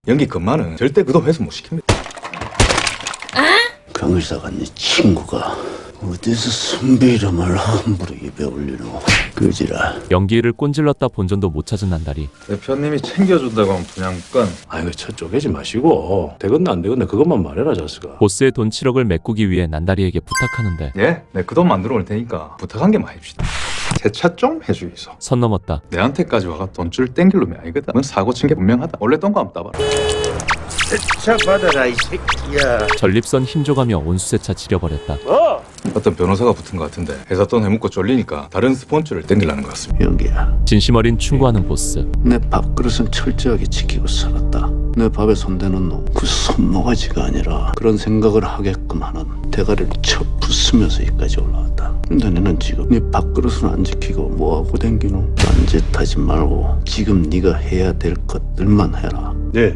연기 그만은 절대 그도 회수 못 시킵니다. 강의사가 네 친구가 어디서 선배 이름을 함부로 입에 올리노. 그지라. 연기를 꼰질렀다 본전도 못 찾은 난다리. 대표님이 챙겨준다고 하면 분양권. 아이고 저 쪼개지 마시고 되건나 안 되건나 그것만 말해라 자스가. 보스의 돈 7억을 메꾸기 위해 난다리에게 부탁하는데 예? 내 그 돈 만들어 올 테니까 부탁한 게 많입시다. 세차 좀 해주이소. 선 넘었다. 내한테까지 와가 돈줄 땡길 놈이 아니거든. 넌 사고 친 게 분명하다. 원래 똥거 한번 따봐라. 차 받아라 이 새끼야. 전립선 힘줘가며 온수세차 지려버렸다. 어떤 변호사가 붙은 것 같은데 회사 돈 해먹고 쫄리니까 다른 스폰서를 땡기려는 것 같습니다. 연기야. 진심 어린 충고하는 보스. 내 밥그릇은 철저하게 지키고 살았다. 내 밥에 손대는 놈, 그 손모가지가 아니라 그런 생각을 하게끔 하는 대가리를 쳐 부수면서 여기까지 올라왔다. 근데 너는 지금 네 밥그릇은 안 지키고 뭐하고 댕기노? 딴짓하지 말고 지금 네가 해야 될 것들만 해라. 네.